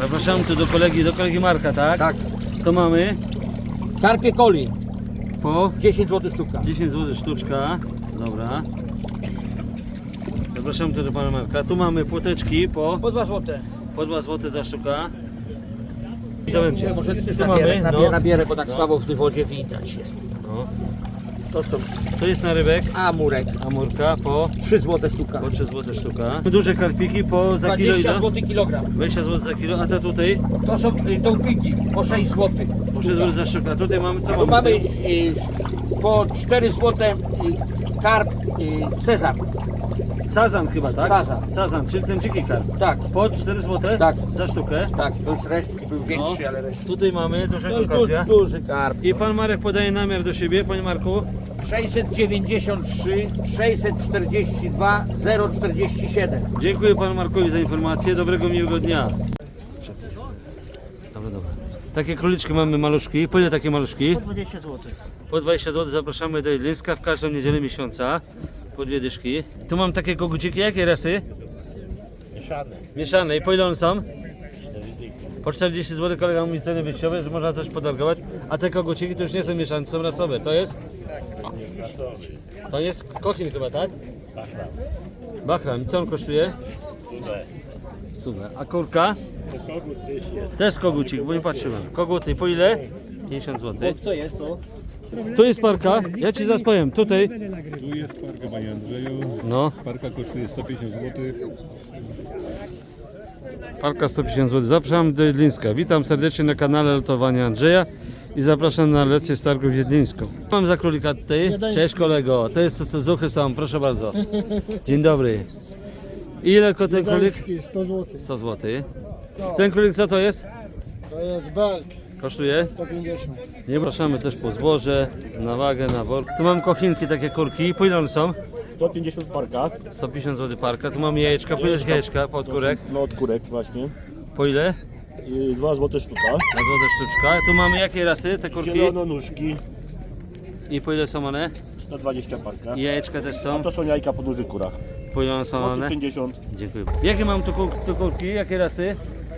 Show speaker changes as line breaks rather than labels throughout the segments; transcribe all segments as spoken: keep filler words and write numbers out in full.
Zapraszam tu do kolegi, do kolegi Marka, tak?
Tak.
To mamy
Karpie coli,
po
dziesięć złotych sztuka.
dziesięć złotych sztuczka. Dobra. Zapraszam tu do pana Marka. Tu mamy płoteczki po,
Po dwa złote.
po dwa złote za sztuka. I to będzie.
Może też
Tu
nabierę,
mamy,
nabierę,
no.
nabierę, bo tak
No.
słabo w tej wodzie widać jest.
No.
To są
To jest na rybek.
amurek,
Amurka po,
trzy złote sztuka.
po trzy złote sztuka. Duże karpiki po za kilo
dwadzieścia
ile?
złotych kilogram.
dwadzieścia złotych za kilo, a te tutaj
To są y, dąbiki po sześć złotych.
po trzy złote za sztuka. Tutaj mamy co
Tu
mamy?
mamy
tutaj?
y, po cztery złote y, karp y, sezam.
Sazan chyba, tak?
Sazan.
Sazan, czyli ten dziki karp.
Tak,
Po cztery złote
Tak.
za sztukę.
tak, to już resztki był większy,
No.
ale resztki.
Tutaj mamy
To
dużego
jest
karpia.
duży, duży karp.
I pan Marek podaje namiar do siebie, panie Marku.
sześćset dziewięćdziesiąt trzy, sześćset czterdzieści dwa, zero czterdzieści siedem.
Dziękuję panu Markowi za informację. Dobrego, miłego dnia. Dobra, dobra. Takie króliczki mamy maluszki. Po ile takie maluszki?
dwadzieścia złotych.
Po dwadzieścia złotych zapraszamy do Jedlińska w każdą niedzielę miesiąca. Po dwie dyszki. Tu mam takie koguciki. Jakie rasy?
Mieszane.
Mieszane. I po ile one są? Po czterdzieści złotych kolega mówi ceny wyjściowe, że można coś podargować. A te koguciki to już nie są mieszane, to są rasowe. To jest? To jest kochin chyba, tak? Bachram. Bachram. I co on kosztuje? Stówę. A kurka? Też kogucik, bo nie patrzyłem. Koguty po ile? pięćdziesiąt złotych.
Co jest to?
Tu jest parka, ja ci zaraz powiem, tutaj.
Tu jest parka, panie Andrzeju.
No,
Parka kosztuje sto pięćdziesiąt złotych.
parka sto pięćdziesiąt złotych. Zapraszam do Jedlińska. Witam serdecznie na kanale Lotowania Andrzeja i zapraszam na lekcję z targów Jedlińską. Mam za królika tutaj. Cześć kolego, to jest to zuchy są, proszę bardzo. Dzień dobry. Ile ko ten królik?
sto złotych.
sto złotych. Ten królik co to jest?
To jest belk,
Kosztuje?
sto pięćdziesiąt.
Nie zapraszamy też po zboże, na wagę, na work. Tu mam kochinki, takie kurki. Po ile one są?
sto pięćdziesiąt parka.
sto pięćdziesiąt złotych parka. Tu mamy jajeczka. Po ile jest jajeczka? Po odkurek.
No od kurek właśnie.
Po ile?
I dwa złote sztuka.
Na złote sztuczka. Tu mamy jakie rasy? Te kurki?
Zielononóżki.
I po ile są one?
sto dwadzieścia parka.
I jajeczka też są?
To są jajka po dużych kurach.
Po ile one są
Złoty
one?
pięćdziesiąt.
Dziękuję. Jakie mam tu, kur- tu kurki? Jakie rasy?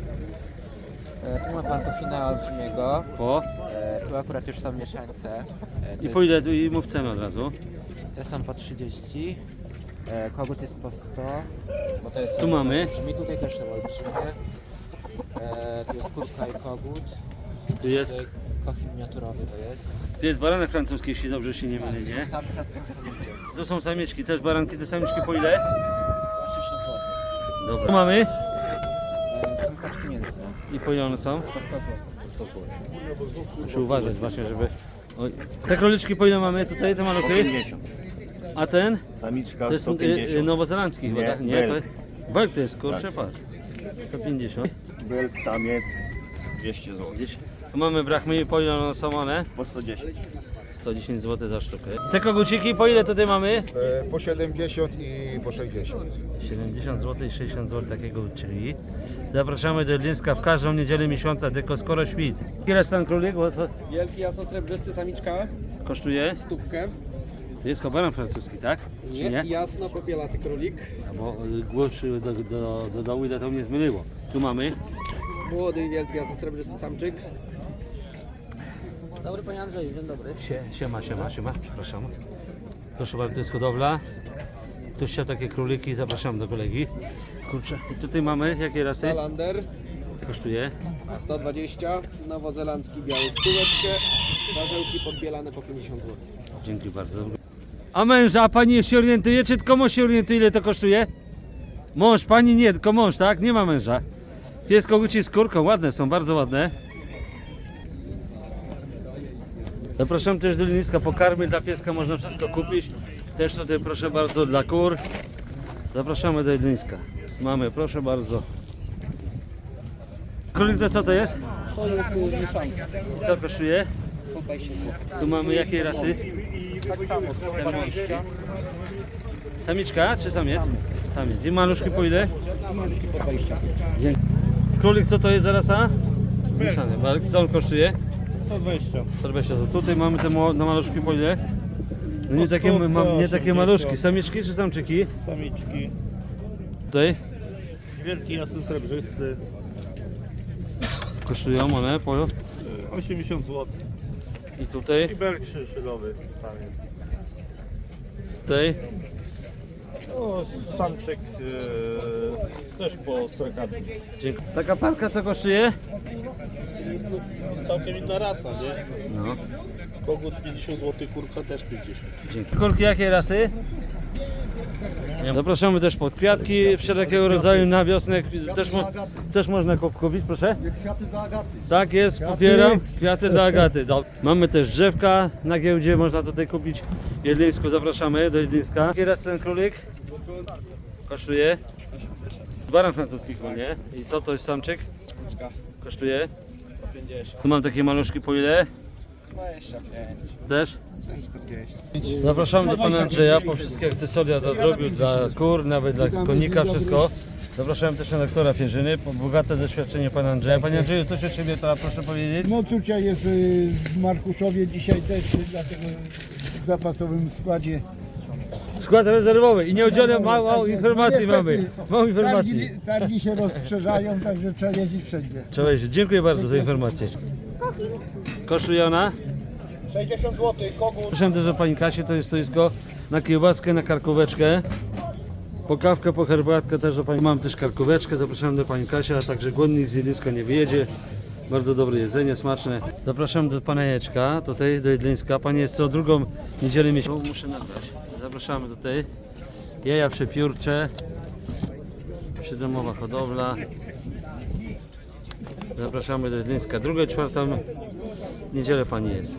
Tu ma pan kochina olbrzymiego,
Po.
e, tu akurat już są mieszańce, e, to
I po ile? Tu i mów cenę od razu.
jest, te są po trzydzieści, e, kogut jest po sto, bo to jest
Tu mamy.
olbrzymi, tutaj też są olbrzymie, e, tu jest kurka i kogut,
Tu jest,
tutaj kochin miniaturowy to jest,
tu jest baranek francuski, jeśli dobrze się nie mylę, nie?
samca to są samice,
Tu są samieczki, też baranki, te samiczki po ile?
osiemdziesiąt złotych.
Dobra. Tu mamy.
E, to są kaczki mięsne,
I po ile one są?
po sto złotych.
Muszę uważać właśnie, żeby... Oj. Te króliczki po ile mamy tutaj, te maluchy? A ten?
Samiczka
To jest
sto
y, y,
pięćdziesiąt.
nowozelandzki chyba,
Nie,
tak? Nie, to
belk.
belk to jest, kurczę, patrz. sto pięćdziesiąt.
Belk, samiec dwieście złotych.
Tu mamy brachmy, po ile one są one?
Po sto dziesięć.
sto dziesięć złotych za sztukę. Te koguciki, po ile tutaj mamy?
E, po siedemdziesiąt i po sześćdziesiąt.
siedemdziesiąt złotych i sześćdziesiąt złotych takiego czyli. Zapraszamy do Jedlińska w każdą niedzielę miesiąca, tylko skoro świt. Ile stan królik? Bo co
Wielki jasno-srebrzysty samiczka,
kosztuje?
stówkę.
To jest kobaran francuski, tak? Czy
Nie,
nie?
jasno-popielaty królik.
Bo y, głos y, do, do, do dołu, ile to mnie zmyliło. Tu mamy.
Młody, wielki jasno-srebrzysty samczyk.
Dobry panie Andrzeju, dzień dobry.
Sie, siema, siema, siema, przepraszam. Proszę bardzo, to jest hodowla. Ktoś chciał takie króliki, zapraszam do kolegi. Kurczę, i tutaj mamy, jakie rasy?
Salander,
Kosztuje?
sto dwadzieścia. Nowozelandzki biały stóweczkę. Warzełki podbielane po pięćdziesiąt złotych.
Dzięki bardzo. A męża, a pani się orientuje, czy tylko mąż się orientuje, ile to kosztuje? Mąż, pani nie, tylko mąż, tak? Nie ma męża. Tu jest koguci z kurką, ładne są, bardzo ładne. Zapraszam też do Jedlińska, pokarmy dla pieska, można wszystko kupić. Też tutaj proszę bardzo dla kur. Zapraszamy do Jedlińska. Mamy, proszę bardzo. Królik to co to jest?
To jest y, mieszanka.
Co kosztuje?
sto dwadzieścia złotych.
Tu mamy jakie rasy?
Tak samo, sto dwadzieścia.
Samiczka czy samiec? Samiec. I maluszki po ile?
Maluszki po dwadzieścia.
Dzięki. Królik co to jest za rasa? Mieszany. Belk. Co on kosztuje?
sto dwadzieścia.
sto dwadzieścia. Tutaj mamy te mo- na maluszki po ile? No nie takie, ma, nie takie maluszki. Samiczki czy samczyki?
Samiczki.
Tutaj?
Wielki jasno srebrzysty.
kosztują one? Po...
osiemdziesiąt złotych.
I tutaj?
I belk szylowy samiec.
Tutaj?
O, samczyk e, też po srekadze.
Dzięki. Taka parka co kosztuje?
Całkiem inna rasa, nie?
No.
Kogut pięćdziesiąt złotych, kurka też pięćdziesiąt.
Dzięki. Kolki jakiej rasy? Zapraszamy też pod kwiatki wszelkiego rodzaju na wiosnę. Też, mo też można kup- kupić, proszę?
Kwiaty do Agaty.
Tak jest, popieram. Kwiaty do Agaty. Dob- Mamy też drzewka na giełdzie, można tutaj kupić. W Jedlińsku zapraszamy do Jedlińska. Jaki raz ten królik? Kosztuje? Baran francuski chyba, nie? I co to jest samczyk? Kosztuje?
sto pięćdziesiąt.
Tu mam takie maluszki po ile?
dwadzieścia pięć.
Też?
czterdzieści.
Zapraszamy do pana Andrzeja po wszystkie akcesoria do drobiu, dla kur, nawet dla konika, wszystko. Zapraszałem też na doktora Pierzyny, po bogate doświadczenie pana Andrzeja. Panie Andrzeju, coś o siebie to proszę powiedzieć?
No czucia jest y, w Markuszowie dzisiaj też, y, dlatego w zapasowym składzie.
Skład rezerwowy i nieudzielę mało informacji mamy. Mało informacji.
Targi, targi się rozszerzają, także trzeba jeździć wszędzie.
Cześć, dziękuję bardzo za informację. Kosztuje ona?
sześćdziesiąt złotych, kogut.
Proszę też o pani Kasię, to jest stoisko na kiełbaskę, na karkóweczkę. Po kawkę, po herbatkę też do pani. Mam też karkóweczkę, zapraszam do pani Kasia, a także głodnik z Jedlińska nie wyjedzie. Bardzo dobre jedzenie, smaczne. Zapraszam do pana Jeczka, tutaj do Jedlińska. Pani jest co drugą niedzielę miesiąca. Muszę nagrać. Zapraszamy tutaj. Jaja przepiórcze. Przydomowa hodowla. Zapraszamy do Jedlińska. Drugą i czwartą niedzielę pani jest.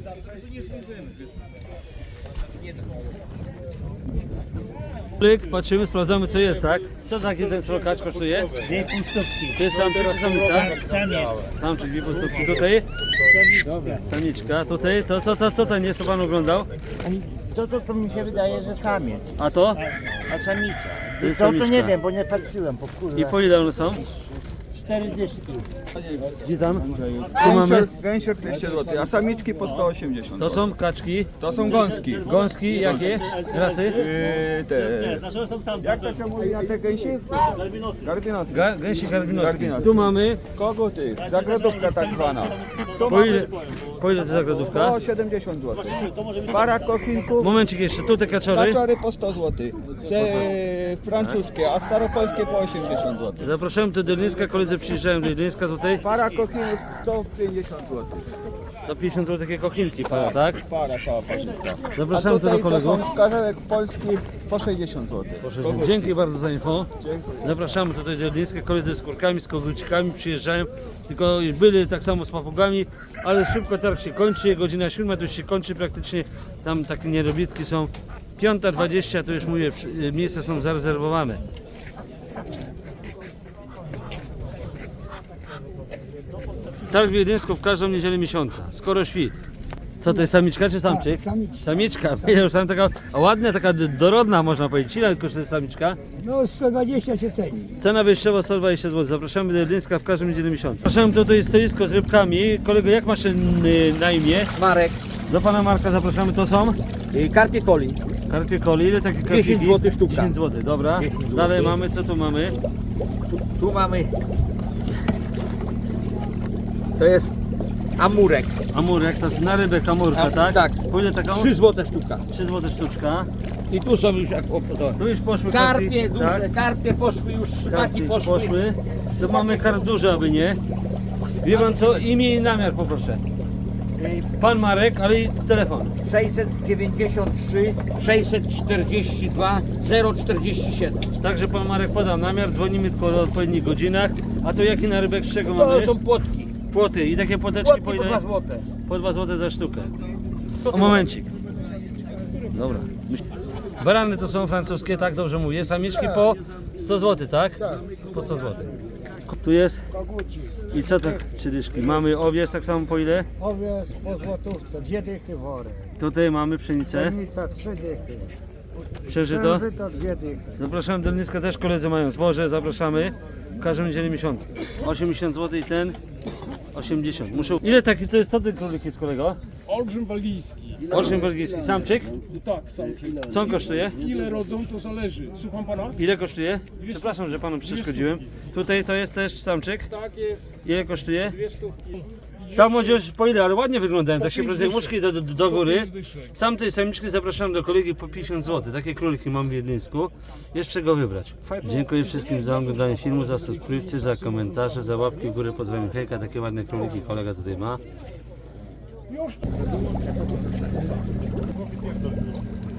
Patrzymy, sprawdzamy co jest, tak? Co taki ten srokacz kosztuje?
Dwie pustówki.
To jest samczyk czy samica?
Samiec.
Samczyk, dwie pustówki. Tutaj? Samiczka. Tutaj? To co to, to, ten jest, co pan oglądał?
To, to, to mi się wydaje, że samiec,
A to?
a samica.
To jest
To, to
samiczka.
nie wiem, bo nie patrzyłem, po kurwa.
I po ile one są?
Cztery dyszki.
Gdzie tam? Tu mamy?
Gęsior dwieście złotych, a samiczki po sto osiemdziesiąt.
To są kaczki.
To są gąski.
Gąski jakie? Rasy?
Yy, te,
Nasze są tam,
jak to się mówi na te gęsi?
Galbinosy.
Gardynosy.
Ga gęsi gardynowskie.
Gardynowskie.
Tu mamy.
Koguty, zagrodówka tak zwana.
Po ile, po ile to zagrodówka?
Po siedemdziesiąt złotych. Para kochinków,
Momencik jeszcze, tu te kaczory.
kaczory po sto złotych. Te francuskie, a staropolskie po osiemdziesiąt złotych.
Zapraszam do Jedlińska, koledzy przyjeżdżają do Jedlińska tutaj.
Para kochinów sto pięćdziesiąt złotych.
To pięćdziesiąt złotych takie kochinki para, tak?
Para cała parzysta. A
Zapraszamy tu do
tutaj to
kolegów.
są karzełek polski po sześćdziesiąt złotych.
Dzięki bardzo za info. Zapraszamy tutaj do Jedlińska, koledzy z kurkami, z kogucikami przyjeżdżają. Tylko byli tak samo z papugami, ale szybko targ się kończy, godzina siódma to już się kończy praktycznie. Tam takie nierobitki są. Piąta dwadzieścia to już mówię, przy- miejsca są zarezerwowane. Targ w Jedlińsku w każdą niedzielę miesiąca, skoro świt. Co to jest, samiczka czy samczyk?
Samiczka.
Samiczka, ja już tam taka ładna, taka d- dorodna można powiedzieć. Ile kosztuje samiczka?
No sto dwadzieścia się ceni.
Cena wyjściowa sto dwadzieścia złotych. Zapraszamy do Jedlińska w każdym niedzielę miesiąca. Zapraszamy tutaj stoisko z rybkami. Kolego, jak masz y, na imię?
Marek,
Do pana Marka zapraszamy, to są?
y, karpie coli.
Karpie coli, ile takie karpiki?
dziesięć złotych sztuka.
dziesięć złotych, dobra.
dziesięć złotych.
Dalej mamy, co tu mamy?
Tu mamy, to jest amurek.
Amurek, to jest na rybek amurka,
A,
tak?
tak.
Po ile taką?
trzy złote sztuka.
trzy złote sztuczka.
I tu są już, jak o, zobacz.
Tu już poszły
Karpie
karpiki,
duże,
tak?
karpie poszły już, szmaki
Karpiki
poszły.
poszły. To mamy karp duży, aby nie. Wie pan co? Imię i namiar poproszę. Pan Marek, ale i telefon.
sześćset dziewięćdziesiąt trzy, sześćset czterdzieści dwa, zero czterdzieści siedem.
Także pan Marek podał namiar, dzwonimy tylko o odpowiednich godzinach. A to jaki narybek z czego
To
mamy?
są płotki.
Płoty i takie płoteczki
Płotki
po
po
ile?
dwa złote.
Po dwa złote za sztukę. O momencik. Dobra. Barany to są francuskie, tak dobrze mówię. Samiczki po sto złotych, tak? Po sto złotych. Tu jest. I co to trzy dyszki? Mamy owiec tak samo po ile?
Owiec po złotówce, dwie dychy wory.
Tutaj mamy pszenicę.
Pszenica trzy dychy.
Przeżyto.
Księżyto dwie dychy.
Zapraszamy do Jedlińska, też koledzy mają zboże, zapraszamy. W każdą niedzielę miesiąca. osiemdziesiąt złotych i ten osiemdziesiąt. Muszę... Ile taki to jest, co ten królik jest, kolego?
Olbrzym walijski.
Olsztyn belgijski, samczyk.
Tak, samki.
Co on kosztuje?
Ile rodzą, to zależy. Słucham pana?
Ile kosztuje? Przepraszam, że panu przeszkodziłem. Tutaj to jest też samczyk.
Tak jest.
Ile kosztuje?
Dwie stówki.
Ta młodzież po ile, ale ładnie wyglądają, tak się
pięć
prezentuje,
dyszek.
muszki do, do, do góry.
pięć dyszek.
Sam tej samiczki zapraszam do kolegi po pięćdziesiąt złotych. Takie króliki mam w Wiedlińsku. Jeszcze go wybrać. Dziękuję wszystkim za oglądanie filmu, za subskrypcję, za komentarze, za łapki w górę. Pozdrawiam hejka, takie ładne króliki kolega tutaj ma.